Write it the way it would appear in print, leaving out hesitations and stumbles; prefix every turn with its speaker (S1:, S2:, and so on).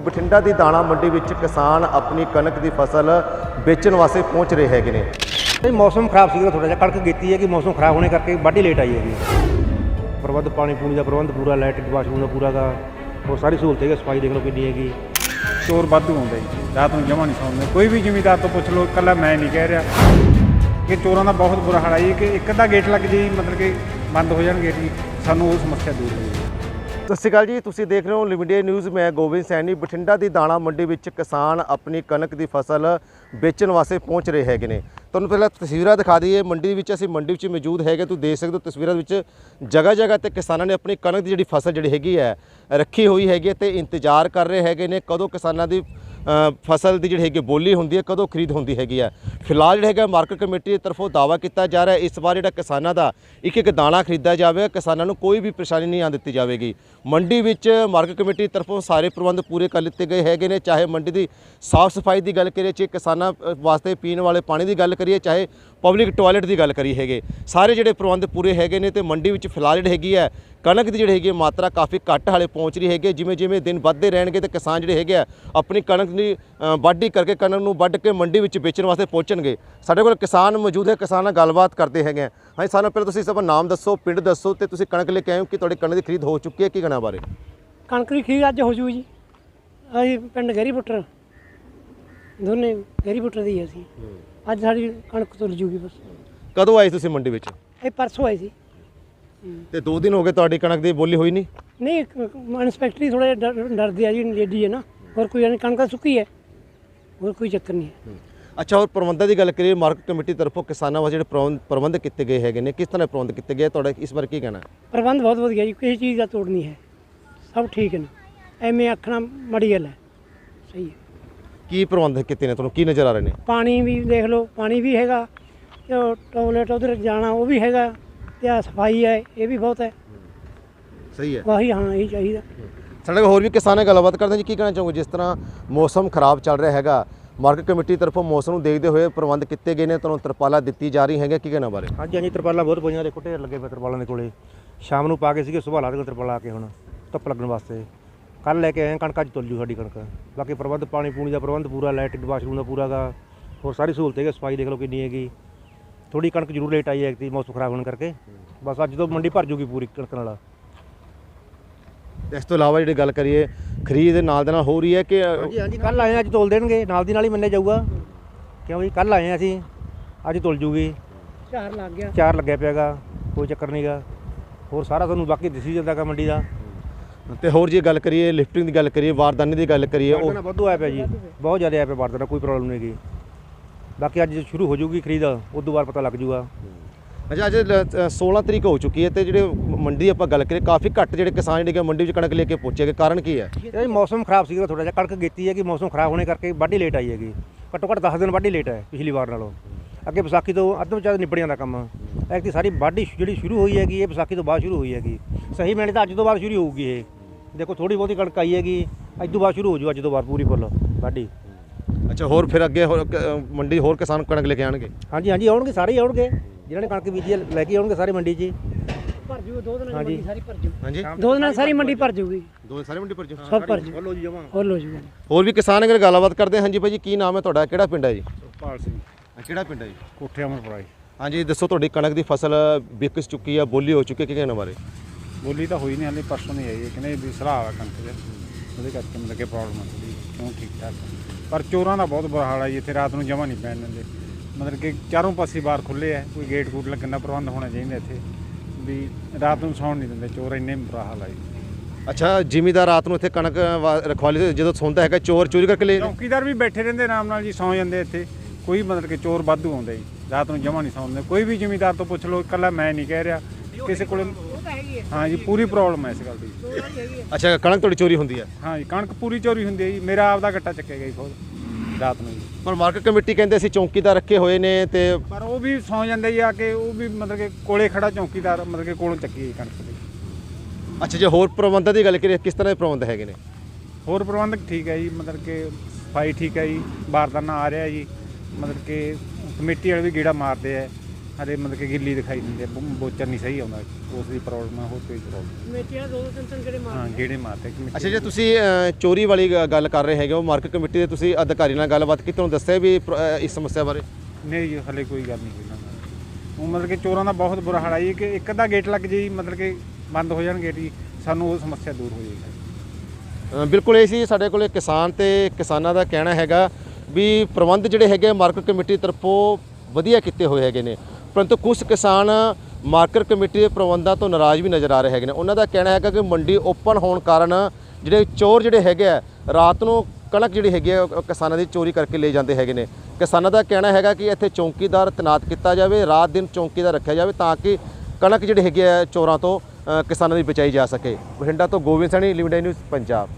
S1: ਬਠਿੰਡਾ ਦੀ ਦਾਣਾ ਮੰਡੀ ਵਿੱਚ ਕਿਸਾਨ ਆਪਣੀ ਕਣਕ ਦੀ ਫਸਲ ਵੇਚਣ ਵਾਸਤੇ ਪਹੁੰਚ ਰਹੇ ਹੈਗੇ ਨੇ।
S2: मौसम खराब सी थोड़ा जिहा कणक कीती है कि मौसम खराब होने करके वाढी लेट आई है। प्रबंध पानी पूनी का प्रबंध पूरा, लाइट वाशरूम का पूरा का और सारी सहूलत है। सफाई देख लो कितनी हैगी।
S3: चोर वाधू आउंदे रात ਨੂੰ जमा नहीं सौंदे। कोई भी ਜ਼ਿਮੀਦਾਰ ਤੋਂ ਪੁੱਛ ਲਓ, ਇਕੱਲਾ ਮੈਂ ਨਹੀਂ ਕਹਿ ਰਿਹਾ ਕਿ ਚੋਰਾਂ ਦਾ ਬਹੁਤ ਬੁਰਾ ਹਾਲ ਹੈ ਕਿ ਇੱਕ ਅੱਧਾ ਗੇਟ ਲੱਗ ਜੇ ਮਤਲਬ ਕਿ ਬੰਦ ਹੋ ਜਾਣ ਗੇਟ, ਸਾਨੂੰ ਉਹ ਸਮੱਸਿਆ ਦੂਰ ਹੋ ਜਾਵੇ।
S1: ਸਤਿ ਸ਼੍ਰੀ ਅਕਾਲ ਜੀ, ਤੁਸੀਂ ਦੇਖ ਰਹੇ ਹੋ ਲਿਮਿਟਡ ਨਿਊਜ਼। ਮੈਂ ਗੋਬਿੰਦ ਸੈਣੀ। ਬਠਿੰਡਾ ਦੀ ਦਾਣਾ ਮੰਡੀ ਵਿੱਚ ਕਿਸਾਨ ਆਪਣੀ ਕਣਕ ਦੀ ਫਸਲ ਵੇਚਣ ਵਾਸਤੇ ਪਹੁੰਚ ਰਹੇ ਹੈਗੇ ਨੇ। ਤੁਹਾਨੂੰ ਪਹਿਲਾਂ ਤਸਵੀਰਾਂ ਦਿਖਾ ਦਈਏ। ਮੰਡੀ ਵਿੱਚ ਅਸੀਂ ਮੰਡੀ ਵਿੱਚ ਮੌਜੂਦ ਹੈਗੇ। ਤੁਸੀਂ ਦੇਖ ਸਕਦੇ ਹੋ ਤਸਵੀਰਾਂ ਵਿੱਚ ਜਗ੍ਹਾ ਜਗ੍ਹਾ ਤੇ ਕਿਸਾਨਾਂ ਨੇ ਆਪਣੀ ਕਣਕ ਦੀ ਜਿਹੜੀ ਫਸਲ ਜਿਹੜੀ ਹੈਗੀ ਹੈ ਰੱਖੀ ਹੋਈ ਹੈਗੀ ਤੇ ਇੰਤਜ਼ਾਰ ਕਰ ਰਹੇ ਹੈਗੇ ਨੇ ਕਦੋਂ ਕਿਸਾਨਾਂ ਦੀ ਫਸਲ ਦੀ ਜਿਹੜੀ ਹੈਗੀ ਬੋਲੀ ਹੁੰਦੀ ਹੈ, ਕਦੋਂ ਖਰੀਦ ਹੁੰਦੀ ਹੈਗੀ ਹੈ। ਫਿਲਹਾਲ ਜਿਹੜਾ ਹੈਗਾ ਮਾਰਕੀਟ ਕਮੇਟੀ ਦੀ ਤਰਫੋਂ ਦਾਅਵਾ ਕੀਤਾ ਜਾ ਰਿਹਾ ਇਸ ਵਾਰ ਜਿਹੜਾ ਕਿਸਾਨਾਂ ਦਾ ਇੱਕ ਇੱਕ ਦਾਣਾ ਖਰੀਦਿਆ ਜਾਵੇਗਾ, ਕਿਸਾਨਾਂ ਨੂੰ ਕੋਈ ਵੀ ਪਰੇਸ਼ਾਨੀ ਨਹੀਂ ਆਉਣ ਦਿੱਤੀ ਜਾਵੇਗੀ। ਮੰਡੀ ਵਿੱਚ ਮਾਰਕੀਟ ਕਮੇਟੀ ਦੀ ਤਰਫੋਂ ਸਾਰੇ ਪ੍ਰਬੰਧ ਪੂਰੇ ਕਰ ਲਿੱਤੇ ਗਏ ਹੈਗੇ ਨੇ। ਚਾਹੇ ਮੰਡੀ ਦੀ ਸਾਫ਼ ਸਫਾਈ ਦੀ ਗੱਲ ਕਰੀਏ, ਚਾਹੇ ਕਿਸਾਨਾਂ ਵਾਸਤੇ ਪੀਣ ਵਾਲੇ ਪਾਣੀ ਦੀ ਗੱਲ ਕਰੀਏ, ਚਾਹੇ ਪਬਲਿਕ ਟਾਇਲਟ ਦੀ ਗੱਲ ਕਰੀ ਹੈਗੇ, ਸਾਰੇ ਜਿਹੜੇ ਪ੍ਰਬੰਧ ਪੂਰੇ ਹੈਗੇ ਨੇ। ਤੇ ਮੰਡੀ ਵਿੱਚ ਫਿਲਹਾਲ ਜਿਹੜੀ ਹੈਗੀ ਹੈ ਕਣਕ ਦੀ ਜਿਹੜੀ ਹੈਗੀ ਮਾਤਰਾ ਕਾਫੀ ਘੱਟ ਹਾਲੇ ਪਹੁੰਚ ਰਹੀ ਹੈਗੀ। ਜਿਵੇਂ ਜਿਵੇਂ ਦਿਨ ਵੱਧਦੇ ਰਹਿਣਗੇ ਤੇ ਕਿਸਾਨ ਜਿਹੜੇ ਹੈਗੇ ਆ ਆਪਣੀ ਕਣਕ ਦੀ ਵਾਢੀ ਕਰਕੇ ਕਣਕ ਨੂੰ ਵੱਢ ਕੇ ਮੰਡੀ ਵਿੱਚ ਵੇਚਣ ਵਾਸਤੇ ਪਹੁੰਚਣਗੇ। ਸਾਡੇ ਕੋਲ ਕਿਸਾਨ ਮੌਜੂਦ ਹੈ, ਕਿਸਾਨ ਨਾਲ ਗੱਲਬਾਤ ਕਰਦੇ ਹੈਗੇ ਆ। ਹਾਂਜੀ, ਸਾਨੂੰ ਪਹਿਲਾਂ ਤੁਸੀਂ ਸਭ ਨਾਮ ਦੱਸੋ, ਪਿੰਡ ਦੱਸੋ ਤੇ ਤੁਸੀਂ ਕਣਕ ਲੈ ਕੇ ਆਏ ਹੋ ਕਿ ਤੁਹਾਡੀ ਕਣਕ ਦੀ ਖਰੀਦ ਹੋ ਚੁੱਕੀ ਹੈ, ਕੀ ਕਹਿਣਾ ਬਾਰੇ?
S4: ਕਣਕ ਦੀ ਖਰੀਦ ਅੱਜ ਹੋ ਜੂ ਜੀ। ਅਸੀਂ ਪਿੰਡ ਗਹਿਰੀ ਪੁੱਟਰ, ਦੋਨੇ ਗਹਿਰੀ ਪੁੱਟਰ ਦੀ ਅਸੀਂ ਅੱਜ ਸਾਡੀ ਕਣਕ ਤੁਰ ਜੂਗੀ। ਬਸ
S1: ਕਦੋਂ ਆਏ ਤੁਸੀਂ ਮੰਡੀ ਵਿੱਚ?
S4: ਇਹ ਪਰਸੋਂ ਆਏ ਸੀ
S1: ਤੇ 2 ਦਿਨ ਹੋ ਗਏ ਤੁਹਾਡੀ ਕਣਕ ਦੀ ਬੋਲੀ ਹੋਈ ਨਹੀਂ?
S4: ਨਹੀਂ, ਇੰਸਪੈਕਟਰੀ ਥੋੜ੍ਹੇ ਡਰਦੇ ਆ ਜੀ, ਲੇਡੀ ਹੈ ਨਾ। ਹੋਰ ਕੋਈ ਨਹੀਂ, ਕਣਕ ਸੁੱਕੀ ਹੈ, ਹੋਰ ਕੋਈ ਚੱਕਰ ਨਹੀਂ ਹੈ।
S1: ਅੱਛਾ, ਹੋਰ ਪ੍ਰਬੰਧਾਂ ਦੀ ਗੱਲ ਕਰੀਏ, ਮਾਰਕੀਟ ਕਮੇਟੀ ਤਰਫੋਂ ਕਿਸਾਨਾਂ ਵਾਸਤੇ ਜਿਹੜੇ ਪ੍ਰਬੰਧ ਕੀਤੇ ਗਏ ਹੈਗੇ ਨੇ, ਕਿਸ ਤਰ੍ਹਾਂ ਪ੍ਰਬੰਧ ਕੀਤੇ ਗਏ, ਤੁਹਾਡਾ ਇਸ ਬਾਰੇ ਕੀ ਕਹਿਣਾ?
S4: ਪ੍ਰਬੰਧ ਬਹੁਤ ਵਧੀਆ ਜੀ, ਕਿਸੇ ਚੀਜ਼ ਦਾ ਤੋੜ ਨਹੀਂ ਹੈ, ਸਭ ਠੀਕ ਨੇ। ਐਵੇਂ ਆਖਣਾ ਮਾੜੀ ਗੱਲ ਹੈ, ਸਹੀ ਹੈ।
S1: ਕੀ ਪ੍ਰਬੰਧ ਕੀਤੇ ਨੇ, ਤੁਹਾਨੂੰ ਕੀ ਨਜ਼ਰ ਆ ਰਹੇ ਨੇ?
S4: ਪਾਣੀ ਵੀ ਦੇਖ ਲਓ, ਪਾਣੀ ਵੀ ਹੈਗਾ, ਤੇ ਟੋਇਲਟ ਉਧਰ ਜਾਣਾ ਉਹ ਵੀ ਹੈਗਾ, ਤੇ ਆ ਸਫਾਈ ਹੈ, ਇਹ ਵੀ ਬਹੁਤ ਹੈ।
S1: ਸਹੀ ਹੈ,
S4: ਵਾਹੀ ਹਾਂ, ਇਹੀ ਚਾਹੀਦਾ।
S1: ਸਾਡੇ ਕੋਲ ਹੋਰ ਵੀ ਕਿਸਾਨ ਨਾਲ ਗੱਲਬਾਤ ਕਰਦੇ ਜੀ। ਕੀ ਕਹਿਣਾ ਚਾਹੋਗੇ? ਜਿਸ ਤਰ੍ਹਾਂ ਮੌਸਮ ਖਰਾਬ ਚੱਲ ਰਿਹਾ ਹੈਗਾ, ਮਾਰਕੀਟ ਕਮੇਟੀ ਤਰਫੋਂ ਮੌਸਮ ਨੂੰ ਦੇਖਦੇ ਹੋਏ ਪ੍ਰਬੰਧ ਕੀਤੇ ਗਏ ਨੇ, ਤੁਹਾਨੂੰ ਤਰਪਾਲਾਂ ਦਿੱਤੀ ਜਾ ਰਹੀ ਹੈਗੇ, ਕੀ ਕਹਿਣਾ ਬਾਰੇ?
S2: ਹਾਂਜੀ ਹਾਂਜੀ, ਤਰਪਾਲਾਂ ਬਹੁਤ ਪਈਆਂ, ਦੇਖੋ ਢੇਰ ਲੱਗੇ ਪਏ ਤਰਪਾਲਾਂ ਦੇ ਕੋਲੇ। ਸ਼ਾਮ ਨੂੰ ਪਾ ਕੇ ਸੀਗੇ, ਸੁਬਾਹ ਲਾ ਦੇ ਤਰਪਾਲ ਆ ਕੇ ਹੁਣ ਧੁੱਪ ਲੱਗਣ ਵਾਸਤੇ। ਕੱਲ੍ਹ ਲੈ ਕੇ ਆਏ ਕਣਕ, ਅੱਜ ਤੁਲ ਜੂ ਸਾਡੀ ਕਣਕ। ਬਾਕੀ ਪ੍ਰਬੰਧ ਪਾਣੀ ਪੂਣੀ ਦਾ ਪ੍ਰਬੰਧ ਪੂਰਾ, ਲਾਈਟ ਵਾਸ਼ਰੂਮ ਦਾ ਪੂਰਾ ਗਾ, ਹੋਰ ਸਾਰੀ ਸਹੂਲਤ ਹੈਗੀ। ਸਫਾਈ ਦੇਖ ਲਓ ਕਿੰਨੀ ਹੈਗੀ। ਥੋੜੀ ਕਣਕ ਜ਼ਰੂਰ ਲੇਟ ਆਈ ਹੈ ਮੌਸਮ ਖਰਾਬ ਹੋਣ ਕਰਕੇ। ਬਸ ਅੱਜ ਤੋਂ ਮੰਡੀ ਭਰ ਜੂਗੀ ਪੂਰੀ ਕਣਕ ਨਾਲ।
S1: ਇਸ ਤੋਂ ਇਲਾਵਾ ਜਿਹੜੀ ਗੱਲ ਕਰੀਏ ਖਰੀਦ ਨਾਲ ਦੇ ਨਾਲ ਹੋ ਰਹੀ ਹੈ ਕਿ?
S2: ਹਾਂਜੀ ਹਾਂਜੀ, ਕੱਲ੍ਹ ਆਏ ਅੱਜ ਤੋਲ ਦੇਣਗੇ, ਨਾਲ ਦੀ ਨਾਲ ਹੀ ਮੰਨਿਆ ਜਾਊਗਾ। ਕਿਉਂ ਜੀ, ਕੱਲ੍ਹ ਆਏ ਅਸੀਂ, ਅੱਜ ਤੁਲ ਜੂਗੀ।
S4: 4 ਲੱਗ ਗਿਆ,
S2: 4 ਲੱਗਿਆ ਪਿਆਗਾ, ਕੋਈ ਚੱਕਰ ਨਹੀਂ ਗਾ। ਹੋਰ ਸਾਰਾ ਤੁਹਾਨੂੰ ਬਾਕੀ ਦਿਸੀ ਜਾਂਦਾ ਗਾ ਮੰਡੀ ਦਾ।
S1: ਤੇ ਹੋਰ ਜੇ ਗੱਲ ਕਰੀਏ ਲਿਫਟਿੰਗ ਦੀ ਗੱਲ ਕਰੀਏ, ਬਾਰਦਾਨੇ ਦੀ ਗੱਲ ਕਰੀਏ, ਉਹ
S2: ਵਾਧੂ ਆਇਆ ਪਿਆ ਜੀ, ਬਹੁਤ ਜ਼ਿਆਦਾ ਆਇਆ ਪਿਆ ਬਾਰਦਾਨਾ, ਕੋਈ ਪ੍ਰੋਬਲਮ ਨਹੀਂ ਹੈਗੀ। ਬਾਕੀ ਅੱਜ ਸ਼ੁਰੂ ਹੋ ਜੂਗੀ ਖਰੀਦ, ਉਦੋਂ ਬਾਅਦ ਪਤਾ ਲੱਗ ਜੂਗਾ।
S1: ਅੱਛਾ, ਅੱਜ 16 ਤਰੀਕ ਹੋ ਚੁੱਕੀ ਹੈ ਤੇ ਜਿਹੜੇ ਮੰਡੀ ਆਪਾਂ ਗੱਲ ਕਰੀਏ ਕਾਫੀ ਘੱਟ ਜਿਹੜੇ ਕਿਸਾਨ ਜਿਹੜੇ ਮੰਡੀ ਵਿੱਚ ਕਣਕ ਲੈ ਕੇ ਪਹੁੰਚੇਗੇ, ਕਾਰਨ ਕੀ ਹੈ?
S2: ਇਹ ਮੌਸਮ ਖਰਾਬ ਸੀਗਾ ਥੋੜਾ ਜਿਹਾ, ਕਣਕ ਕੀਤੀ ਹੈ ਕਿ ਮੌਸਮ ਖਰਾਬ ਹੋਣੇ ਕਰਕੇ ਵਾਢੀ ਲੇਟ ਆਈ ਹੈਗੀ। ਘੱਟੋ ਘੱਟ 10 ਦਿਨ ਵਾਢੀ ਲੇਟ ਹੈ ਪਿਛਲੀ ਵਾਰ ਨਾਲੋਂ। ਅੱਗੇ ਵਿਸਾਖੀ ਤੋਂ ਅੱਧ ਵਿਚਾਰ ਨਿਬੜ ਜਾਂਦਾ ਕੰਮ। ਐਤਕੀ ਸਾਰੀ ਵਾਢੀ ਜਿਹੜੀ ਸ਼ੁਰੂ ਹੋਈ ਹੈਗੀ, ਇਹ ਵਿਸਾਖੀ ਤੋਂ ਬਾਅਦ ਸ਼ੁਰੂ ਹੋਈ ਹੈਗੀ। ਸਹੀ ਮੈਨੇ ਤਾਂ ਅੱਜ ਤੋਂ ਬਾਅਦ ਸ਼ੁਰੂ ਹੋਊਗੀ ਇਹ। ਦੇਖੋ ਥੋੜੀ ਬਹੁਤੀ ਕਣਕ ਆਈ ਹੈਗੀ, ਅੱਜ ਤੋਂ ਬਾਅਦ ਸ਼ੁਰੂ ਹੋ ਜੂ, ਅੱਜ ਤੋਂ ਬਾਅਦ ਪੂਰੀ ਫੁੱਲ ਵਾਢੀ।
S1: ਅੱਛਾ, ਹੋਰ ਫਿਰ ਅੱਗੇ ਹੋਰ ਮੰਡੀ ਹੋਰ ਕਿਸਾਨ ਕਣਕ ਲੈ ਕੇ ਆਉਣਗੇ?
S2: ਹਾਂਜੀ ਹਾਂਜੀ, ਆਉਣਗੇ, ਸਾਰੇ ਹੀ ਆਉਣਗੇ, ਜਿਨ੍ਹਾਂ ਨੇ ਕਣਕ ਬੀਜੀ ਲੈ ਕੇ ਆਉਣਗੇ ਸਾਰੇ ਮੰਡੀ 'ਚ।
S4: ਭਰ ਜੂ 2 ਦਿਨਾਂ ਦੀ ਮੰਡੀ ਸਾਰੀ ਭਰ ਜੂ।
S1: ਹਾਂਜੀ,
S4: 2 ਦਿਨਾਂ ਸਾਰੀ ਮੰਡੀ ਭਰ ਜੂਗੀ,
S1: ਸਾਰੇ ਮੰਡੀ ਪਰ
S4: ਸਭ ਭਰ ਜੂ।
S2: ਫੁੱਲ ਹੋ ਜੀ ਜਮਾਂ,
S4: ਫੁੱਲ ਹੋ ਜੂਗਾ।
S1: ਹੋਰ ਵੀ ਕਿਸਾਨ ਅਗਰ ਗੱਲਬਾਤ ਕਰਦੇ ਹਾਂ। ਹਾਂਜੀ ਭਾਈ ਜੀ, ਕੀ ਨਾਮ ਹੈ ਤੁਹਾਡਾ, ਕਿਹੜਾ ਪਿੰਡ ਹੈ ਜੀ?
S3: ਪਾਲ ਸਿੰਘ,
S1: ਕਿਹੜਾ ਪਿੰਡ ਹੈ ਜੀ?
S3: ਕੋਠੇ ਅਮਰਪੁਰਾ ਜੀ।
S1: ਹਾਂਜੀ, ਦੱਸੋ ਤੁਹਾਡੀ ਕਣਕ ਦੀ ਫਸਲ ਵਿਕ ਚੁੱਕੀ ਹੈ, ਬੋਲੀ ਹੋ ਚੁੱਕੀ ਹੈ, ਕੀ ਕਹਿਣਾ ਬਾਰੇ?
S3: ਬੋਲੀ ਤਾਂ ਹੋਈ ਨਹੀਂ ਹਾਲੇ, ਪਰਸੋਂ ਨਹੀਂ ਆਈ ਹੈ, ਕਹਿੰਦੇ ਵੀ ਸਲਾਹ ਆ ਕਣਕ ਦੇ, ਉਹਦੇ ਕਰਕੇ ਮਤਲਬ ਕਿ ਪ੍ਰੋਬਲਮ ਆ ਥੋੜ੍ਹੀ। ਕਿਉਂ ਠੀਕ ਠਾਕ, ਪਰ ਚੋਰਾਂ ਦਾ ਬਹੁਤ ਬੁਰਾ ਹਾਲ ਹੈ ਜੀ ਇੱਥੇ। ਰਾਤ ਨੂੰ ਜਮ੍ਹਾਂ ਨਹੀਂ ਪੈਣ ਦਿੰਦੇ, ਮਤਲਬ ਕਿ ਚਾਰੋਂ ਪਾਸੇ ਬਾਹਰ ਖੁੱਲ੍ਹੇ ਹੈ, ਕੋਈ ਗੇਟ ਗੂਟ ਲੱਗਣ ਦਾ ਪ੍ਰਬੰਧ ਹੋਣਾ ਚਾਹੀਦਾ ਇੱਥੇ, ਵੀ ਰਾਤ ਨੂੰ ਸੌਣ ਨਹੀਂ ਦਿੰਦੇ ਚੋਰ, ਇੰਨੇ ਬੁਰਾ ਹਾਲ ਹੈ ਜੀ।
S1: ਅੱਛਾ, ਜ਼ਿਮੀਦਾਰ ਰਾਤ ਨੂੰ ਇੱਥੇ ਕਣਕ ਰਖਵਾਲੀ ਜਦੋਂ ਸੌਂਦਾ ਹੈਗਾ ਚੋਰ ਚੋਰੀ ਕਰਕੇ ਲੈ?
S3: ਚੌਕੀਦਾਰ ਵੀ ਬੈਠੇ ਰਹਿੰਦੇ ਆਰਾਮ ਨਾਲ ਜੀ, ਸੌਂ ਜਾਂਦੇ ਇੱਥੇ। ਕੋਈ ਮਤਲਬ ਕਿ ਚੋਰ ਵਾਧੂ ਆਉਂਦੇ ਜੀ, ਰਾਤ ਨੂੰ ਜਮ੍ਹਾਂ ਨਹੀਂ ਸੌਂਦੇ। ਕੋਈ ਵੀ ਜ਼ਿਮੀਦਾਰ ਤੋਂ ਪੁੱਛ ਲਓ, ਇਕੱਲਾ ਮੈਂ ਨਹੀਂ ਕਹਿ ਰਿਹਾ, ਕਿਸੇ ਕੋਲ। ਹਾਂ ਜੀ, ਪੂਰੀ ਪ੍ਰੋਬਲਮ ਹੈ ਇਸ ਗੱਲ ਦੀ।
S1: ਅੱਛਾ, ਕਣਕ ਤੁਹਾਡੀ ਚੋਰੀ ਹੁੰਦੀ ਹੈ?
S3: ਹਾਂ ਜੀ, ਕਣਕ ਪੂਰੀ ਚੋਰੀ ਹੁੰਦੀ ਹੈ ਜੀ। ਮੇਰਾ ਆਪਦਾ ਗੱਟਾ ਚੱਕਿਆ ਗਿਆ ਜੀ ਖੁਦ ਰਾਤ ਨੂੰ ਜੀ।
S1: ਪਰ ਮਾਰਕੀਟ ਕਮੇਟੀ ਕਹਿੰਦੇ ਅਸੀਂ ਚੌਕੀਦਾਰ ਰੱਖੇ ਹੋਏ ਨੇ ਤੇ
S3: ਪਰ ਉਹ ਵੀ ਸੌਂ ਜਾਂਦੇ ਜੀ ਆ ਕੇ, ਉਹ ਵੀ ਮਤਲਬ ਕਿ ਕੋਲੇ ਖੜਾ ਚੌਕੀਦਾਰ ਮਤਲਬ ਕਿ ਕੋਲੋਂ ਚੱਕੀ ਜੀ ਕਣਕ ਦੀ।
S1: ਅੱਛਾ, ਜੇ ਹੋਰ ਪ੍ਰਬੰਧਾਂ ਦੀ ਗੱਲ ਕਰੀਏ, ਕਿਸ ਤਰ੍ਹਾਂ ਦੇ ਪ੍ਰਬੰਧ ਹੈਗੇ ਨੇ?
S3: ਹੋਰ ਪ੍ਰਬੰਧਕ ਠੀਕ ਹੈ ਜੀ, ਮਤਲਬ ਕਿ ਸਫਾਈ ਠੀਕ ਹੈ ਜੀ, ਬਾਰਦਾਨਾ ਆ ਰਿਹਾ ਜੀ, ਮਤਲਬ ਕਿ ਕਮੇਟੀ ਵਾਲੇ ਵੀ ਗੇੜਾ ਮਾਰਦੇ ਆ, ਹਲੇ ਮਤਲਬ ਕਿ ਗਿੱਲੀ ਦਿਖਾਈ ਦਿੰਦੀ ਹੈ, ਬੋਚਰ ਨਹੀਂ ਸਹੀ ਆਉਂਦਾ, ਉਸ ਦੀ ਪ੍ਰੋਬਲਮ ਹੈ, ਹੋਰ ਕੋਈ ਪ੍ਰੋਬਲਮ
S4: ਮੇਟੀਆਂ ਦੋ ਤਿੰਨ ਤਿੰਨ ਜਿਹੜੇ
S3: ਹਾਂ ਗੇੜੇ ਮਾਰਦੇ ਕਿ
S1: ਅੱਛਾ, ਜੇ ਤੁਸੀਂ ਚੋਰੀ ਵਾਲੀ ਗੱਲ ਕਰ ਰਹੇ ਹੈਗੇ ਹੋ, ਮਾਰਕੀਟ ਕਮੇਟੀ ਦੇ ਤੁਸੀਂ ਅਧਿਕਾਰੀ ਨਾਲ ਗੱਲਬਾਤ ਕੀਤੀ, ਤੁਹਾਨੂੰ ਦੱਸਿਆ ਵੀ ਇਸ ਸਮੱਸਿਆ ਬਾਰੇ?
S3: ਨਹੀਂ ਜੀ ਹਲੇ ਕੋਈ ਗੱਲ ਨਹੀਂ ਹੋਈ ਇਹਨਾਂ ਨਾਲ। ਉਹ ਮਤਲਬ ਕਿ ਚੋਰਾਂ ਦਾ ਬਹੁਤ ਬੁਰਾ ਹਾਲ ਹੈ ਜੀ, ਕਿ ਇੱਕ ਅੱਧਾ ਗੇਟ ਲੱਗ ਜੇ ਜੀ, ਮਤਲਬ ਕਿ ਬੰਦ ਹੋ ਜਾਣ ਗੇਟ ਜੀ, ਸਾਨੂੰ ਉਹ ਸਮੱਸਿਆ ਦੂਰ ਹੋ ਜਾਏਗੀ।
S1: ਬਿਲਕੁਲ ਇਹ ਸੀ ਸਾਡੇ ਕੋਲੇ ਕਿਸਾਨ ਤੇ ਕਿਸਾਨਾਂ ਦਾ ਕਹਿਣਾ ਹੈਗਾ ਵੀ ਪ੍ਰਬੰਧ ਜਿਹੜੇ ਹੈਗੇ ਮਾਰਕੀਟ ਕਮੇਟੀ ਤਰਫੋਂ ਵਧੀਆ ਕੀਤੇ ਹੋਏ ਹੈਗੇ ਨੇ, ਪਰੰਤੂ ਕੁਝ ਕਿਸਾਨ ਮਾਰਕੀਟ ਕਮੇਟੀ ਦੇ ਪ੍ਰਬੰਧਾਂ ਤੋਂ ਨਾਰਾਜ਼ ਵੀ ਨਜ਼ਰ ਆ ਰਹੇ ਹੈਗੇ ਨੇ। ਉਹਨਾਂ ਦਾ ਕਹਿਣਾ ਹੈਗਾ ਕਿ ਮੰਡੀ ਓਪਨ ਹੋਣ ਕਾਰਨ ਜਿਹੜੇ ਚੋਰ ਜਿਹੜੇ ਹੈਗੇ ਆ ਰਾਤ ਨੂੰ ਕਣਕ ਜਿਹੜੀ ਹੈਗੀ ਆ ਉਹ ਕਿਸਾਨਾਂ ਦੀ ਚੋਰੀ ਕਰਕੇ ਲੈ ਜਾਂਦੇ ਹੈਗੇ ਨੇ। ਕਿਸਾਨਾਂ ਦਾ ਕਹਿਣਾ ਹੈਗਾ ਕਿ ਇੱਥੇ ਚੌਕੀਦਾਰ ਤੈਨਾਤ ਕੀਤਾ ਜਾਵੇ, ਰਾਤ ਦਿਨ ਚੌਕੀਦਾਰ ਰੱਖਿਆ ਜਾਵੇ ਤਾਂ ਕਿ ਕਣਕ ਜਿਹੜੀ ਹੈਗੀ ਆ ਚੋਰਾਂ ਤੋਂ ਕਿਸਾਨਾਂ ਦੀ ਬਚਾਈ ਜਾ ਸਕੇ। ਬਠਿੰਡਾ ਤੋਂ ਗੋਬਿੰਦ ਸੈਣੀ, ਲਿਮਿਟਡ ਨਿਊਜ਼ ਪੰਜਾਬ।